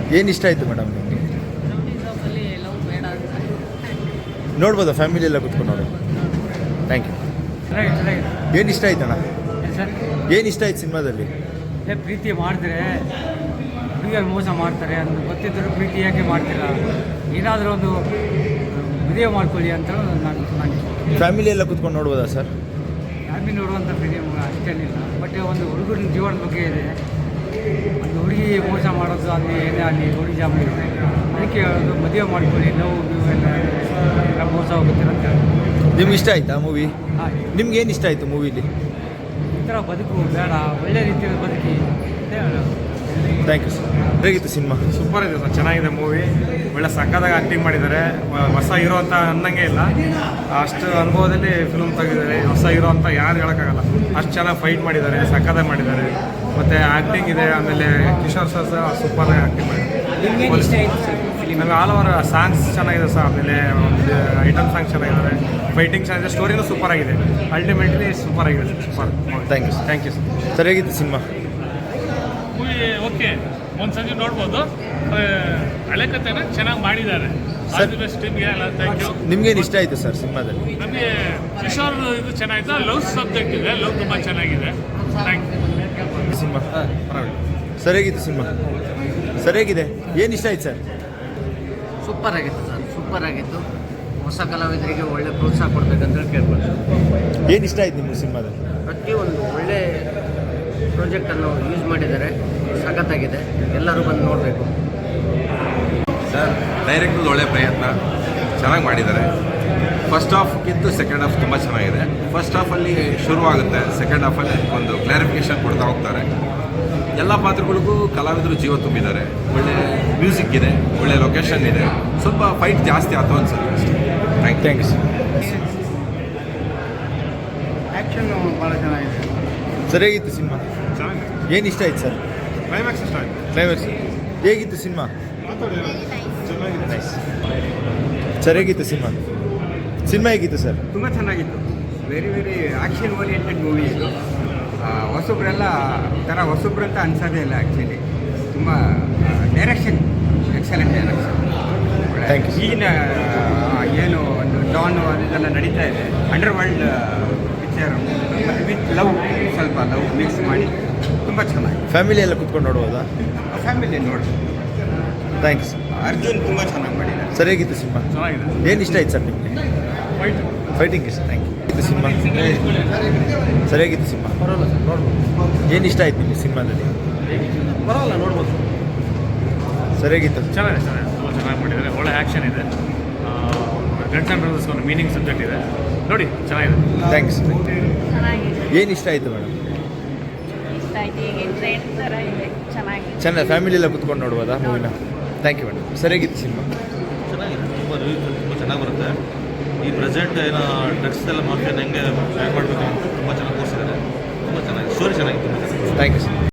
ಏನು ಇಷ್ಟ ಆಯಿತು ಮೇಡಮ್ ನಿಮಗೆ? ನೋಡ್ಬೋದಾ ಫ್ಯಾಮಿಲಿ ಎಲ್ಲ ಕುತ್ಕೊಂಡು ನೋಡಿ? Thank you. ಏನು ಇಷ್ಟ ಆಯ್ತಣ್ಣ? ಏನು ಇಷ್ಟ ಆಯ್ತು ಸಿನಿಮಾದಲ್ಲಿ? ಪ್ರೀತಿ ಮಾಡಿದ್ರೆ ಹುಡುಗಿಯರು ಮೋಸ ಮಾಡ್ತಾರೆ ಅಂತ ಗೊತ್ತಿದ್ದರೂ ಪ್ರೀತಿ ಯಾಕೆ ಮಾಡ್ತೀರಾ? ಏನಾದರೂ ಒಂದು ವಿಡಿಯೋ ಮಾಡ್ಕೊಳ್ಳಿ ಅಂತ ನಾನು ಫ್ಯಾಮಿಲಿ ಎಲ್ಲ ಕುತ್ಕೊಂಡು ನೋಡ್ಬೋದಾ ಸರ್? ಫ್ಯಾಮಿಲಿ ನೋಡುವಂಥ ಫಿಲಿಮ್ ಅಷ್ಟೇನಿಲ್ಲ. ಬಟ್ ಒಂದು ಹುಡುಗನ ಜೀವನದ ಬಗ್ಗೆ ಇದೆ. ಒಂದು ಹುಡುಗಿ ಮೋಸ ಮಾಡೋದು ಅಲ್ಲಿ ಏನೇ ಅಲ್ಲಿ ಹುಡುಗಿ ಜಾಬ್ ಇದೆ, ಅದಕ್ಕೆ ಒಂದು ಮದುವೆ ಮಾಡ್ಕೊಳ್ಳಿ, ನೋವು ಎಲ್ಲ ಮೋಸ ಹೋಗುತ್ತೆ ಅಂತ. ನಿಮ್ಗೆ ಇಷ್ಟ ಆಯ್ತಾ ಮೂವಿ? ಹಾಂ. ನಿಮ್ಗೆ ಏನು ಇಷ್ಟ ಆಯಿತು ಮೂವಿಲಿ? ಈ ಥರ ಬದುಕು ಬೇಡ, ಒಳ್ಳೆ ರೀತಿಯಲ್ಲಿ ಬದುಕಿ. Thank you sir. ಹೇಗಿತ್ತು ಸಿನಿಮಾ? ಸೂಪರ್ ಇದೆ ಸರ್, ಚೆನ್ನಾಗಿದೆ ಮೂವಿ. ಒಳ್ಳೆ ಸಕ್ಕದಾಗ ಆ್ಯಕ್ಟಿಂಗ್ ಮಾಡಿದ್ದಾರೆ. ಹೊಸ ಹೀರೋ ಅಂತ ಅನ್ನಂಗೆ ಇಲ್ಲ, ಅಷ್ಟು ಅನುಭವದಲ್ಲಿ ಫಿಲ್ಮ್ ತೆಗೆದಿದ್ದಾರೆ. ಹೊಸ ಹೀರೋ ಅಂತ ಯಾರು ಹೇಳೋಕ್ಕಾಗಲ್ಲ, ಅಷ್ಟು ಚೆನ್ನಾಗಿ ಫೈಟ್ ಮಾಡಿದ್ದಾರೆ, ಸಕ್ಕದಾಗ ಮಾಡಿದ್ದಾರೆ. ಮತ್ತು ಆ್ಯಕ್ಟಿಂಗ್ ಇದೆ. ಆಮೇಲೆ ಕಿಶೋರ್ ಸರ್ ಸೂಪರಾಗಿ ಆ್ಯಕ್ಟಿಂಗ್ ಮಾಡಿದ್ದಾರೆ. ನಮಗೆ ಆಲ್ ಓವರ್ ಸಾಂಗ್ಸ್ ಚೆನ್ನಾಗಿದೆ ಸರ್. ಆಮೇಲೆ ಒಂದು ಐಟಮ್ ಸಾಂಗ್ಸ್ ಚೆನ್ನಾಗಿದ್ದಾರೆ, ಫೈಟಿಂಗ್ ಚೆನ್ನಾಗಿದೆ, ಸ್ಟೋರಿನೂ ಸೂಪರ್ ಆಗಿದೆ. ಅಲ್ಟಿಮೇಟ್ಲಿ ಸೂಪರ್ ಆಗಿದೆ sir. Thank you thank you sir. Sir ಹೇಗಿತ್ತು ಸಿನಿಮಾ? ಮೂವಿ ಓಕೆ, ಒಂದು ಸಂಜೆ ನೋಡ್ಬೋದು. ಹಳೆ ಕಥೆನ ಚೆನ್ನಾಗಿ ಮಾಡಿದ್ದಾರೆ. ಆಲ್ ದಿ ಬೆಸ್ಟ್ ಟೀಮ್ಗೆ ಎಲ್ಲ ಥ್ಯಾಂಕ್ ಯು. ನಿಮ್ಗೇನು ಇಷ್ಟ ಆಯಿತು ಸರ್ ಸಿನಿಮಾದಲ್ಲಿ? ನಮಗೆ ಕಿಶೋರ್ ಇದು ಚೆನ್ನಾಗಿದೆ. ಲವ್ ಸಬ್ಜೆಕ್ಟ್ ಇದೆ, ಲವ್ ತುಂಬ ಚೆನ್ನಾಗಿದೆ. Thank you. ಸಿನಿಮಾ ಸರ್ ಹೇಗಿತ್ತು ಸಿನಿಮಾ? ಸರ್ ಹೇಗಿದೆ? ಏನು ಇಷ್ಟ ಆಯ್ತು ಸರ್? ಸೂಪರ್ ಆಗಿತ್ತು ಸರ್, ಸೂಪರ್ ಆಗಿತ್ತು. ಹೊಸ ಕಲಾವಿದರಿಗೆ ಒಳ್ಳೆ ಪ್ರೋತ್ಸಾಹ ಕೊಡಬೇಕಂತ ಕೇಳ್ಬೋದು. ಏನು ಇಷ್ಟ ಆಯ್ತು ನಿಮಗೆ ಸಿನಿಮಾದಲ್ಲಿ? ಪ್ರತಿಯೊಂದು ಒಳ್ಳೆ ಪ್ರಾಜೆಕ್ಟನ್ನು ಯೂಸ್ ಮಾಡಿದ್ದಾರೆ, ಸಖತ್ತಾಗಿದೆ. ಎಲ್ಲರೂ ಬಂದು ನೋಡಬೇಕು ಸರ್. ಡೈರೆಕ್ಟರ್ ಒಳ್ಳೆ ಪ್ರಯತ್ನ, ಚೆನ್ನಾಗಿ ಮಾಡಿದ್ದಾರೆ. ಫಸ್ಟ್ ಹಾಫ್ಗಿಂತ ಸೆಕೆಂಡ್ ಹಾಫ್ ತುಂಬ ಚೆನ್ನಾಗಿದೆ. ಫಸ್ಟ್ ಹಾಫಲ್ಲಿ ಶುರುವಾಗುತ್ತೆ, ಸೆಕೆಂಡ್ ಹಾಫಲ್ಲಿ ಒಂದು ಕ್ಲಾರಿಫಿಕೇಷನ್ ಕೊಡ್ತಾ ಹೋಗ್ತಾರೆ. ಎಲ್ಲ ಪಾತ್ರಗಳಿಗೂ ಕಲಾವಿದರು ಜೀವ ತುಂಬಿದ್ದಾರೆ. ಒಳ್ಳೆ ಮ್ಯೂಸಿಕ್ ಇದೆ, ಒಳ್ಳೆ ಲೊಕೇಶನ್ ಇದೆ. ಸ್ವಲ್ಪ ಫೈಟ್ ಜಾಸ್ತಿ ಆಯ್ತು ಅನ್ಸುತ್ತೆ ಅಷ್ಟೇ. Thank you sir. ಆ್ಯಕ್ಷನ್ನು ಭಾಳ ಚೆನ್ನಾಗಿದೆ. ಸರ್ ಹೇಗಿತ್ತು ಸಿನಿಮಾ? ಚೆನ್ನಾಗಿದೆ. ಏನು ಇಷ್ಟ ಆಯ್ತು ಸರ್? ಕ್ಲೈಮ್ಯಾಕ್ಸ್ ಇಷ್ಟ ಆಯಿತು. ಕ್ಲೈಮ್ಯಾಕ್ಸ್ ಹೇಗಿತ್ತು ಸಿನಿಮಾ? ಚೆನ್ನಾಗಿದೆ. ನೈಸ್. ಸರ್ ಹೇಗಿತ್ತು ಸಿನಿಮಾ? ಸಿನಿಮಾ ಹೇಗಿತ್ತು ಸರ್? ತುಂಬ ಚೆನ್ನಾಗಿತ್ತು. ವೆರಿ ಆ್ಯಕ್ಷನ್ ಓರಿಯೆಂಟೆಡ್ ಮೂವಿ ಇದು. ಹೊಸಬ್ರೆಲ್ಲ ಥರ ಹೊಸಬ್ರು ಅಂತ ಅನ್ಸೋದೇ ಇಲ್ಲ ಆ್ಯಕ್ಚುಲಿ. ತುಂಬ direction excellent direction. Thank you. ಈಗಿನ ಏನು ಒಂದು ಡಾನು ಅದೆಲ್ಲ ನಡೀತಾ ಇದೆ, ಅಂಡರ್ ವರ್ಲ್ಡ್ ಪಿಕ್ಚರ್ ಮತ್ತು ವಿತ್ ಲವ್, ಸ್ವಲ್ಪ ಲವ್ ಮಿಕ್ಸ್ ಮಾಡಿ ತುಂಬ ಚೆನ್ನಾಗಿ ಫ್ಯಾಮಿಲಿ ಎಲ್ಲ ಕುತ್ಕೊಂಡು ನೋಡ್ಬೋದಾ? ಫ್ಯಾಮಿಲಿ ನೋಡಿ. ಥ್ಯಾಂಕ್ಸ್. ಅರ್ಜುನ್ ತುಂಬ ಚೆನ್ನಾಗಿ ಮಾಡಿದ್ದಾರೆ. ಸರ್ ಹೇಗಿತ್ತು ಸಿನಿಮಾ? ಚೆನ್ನಾಗಿದೆ. ಏನು ಇಷ್ಟ ಆಯ್ತು ಸರ್ ನಿಮಗೆ? ಫೈಟ್ ಫೈಟಿಂಗ್ ಇಷ್ಟ. Thank you. ಇದು ಸಿನಿಮಾ ಸರ್ ಹೇಗಿತ್ತು ಸಿನಿಮಾ? ಏನು ಇಷ್ಟ ಆಯ್ತು ನಿಮಗೆ ಸಿನಿಮಾದಲ್ಲಿ? ಪರವಾಗಿಲ್ಲ, ನೋಡ್ಬೋದು. ಸರ್ ಹೇಗಿತ್ತು? ಚೆನ್ನಾಗಿದೆ, ತುಂಬ ಚೆನ್ನಾಗಿ ಮಾಡಿದ್ದಾರೆ. ಒಳ್ಳೆ ಆ್ಯಕ್ಷನ್ ಇದೆ. ಗಂಟ್ಸ್ ಆ್ಯಂಡ್ ಬ್ರದರ್ಸ್ ಒಂದು ಮೀನಿಂಗ್ ಸಬ್ಜೆಕ್ಟ್ ಇದೆ, ನೋಡಿ ಚೆನ್ನಾಗಿದೆ. ಥ್ಯಾಂಕ್ಸ್. ಚೆನ್ನಾಗಿದೆ. ಏನು ಇಷ್ಟ ಆಯಿತು ಮೇಡಮ್? ಇಷ್ಟ ಆಯ್ತು. ಈಗ ಟ್ರೆಂಡ್ ಥರ ಇದೆ, ಚೆನ್ನಾಗಿದೆ. ಚೆನ್ನಾಗಿ ಫ್ಯಾಮಿಲಿ ಎಲ್ಲ ಕುತ್ಕೊಂಡು ನೋಡ್ಬೋದಾ ಮೂವಿನ? Thank you madam. ಸರ್ ಹೇಗಿತ್ತು ಸಿನಿಮಾ? ಚೆನ್ನಾಗಿದೆ. ತುಂಬ ರಿವ್ಯೂ ತುಂಬ ಚೆನ್ನಾಗಿ ಬರುತ್ತೆ. ಈ ಪ್ರೆಸೆಂಟ್ ಏನೋ ಡ್ರಗ್ಸ್ ಎಲ್ಲ ಮಾಫಿಯಾನ ಹೆಂಗೆ ಬ್ಯಾಕ್ ಮಾಡಬೇಕು ಅಂತ ತುಂಬ ಚೆನ್ನಾಗಿ ತೋರಿಸಿದ್ದಾರೆ. ತುಂಬ ಚೆನ್ನಾಗಿದೆ. ಸ್ಟೋರಿ ಚೆನ್ನಾಗಿತ್ತು. Thank you sir.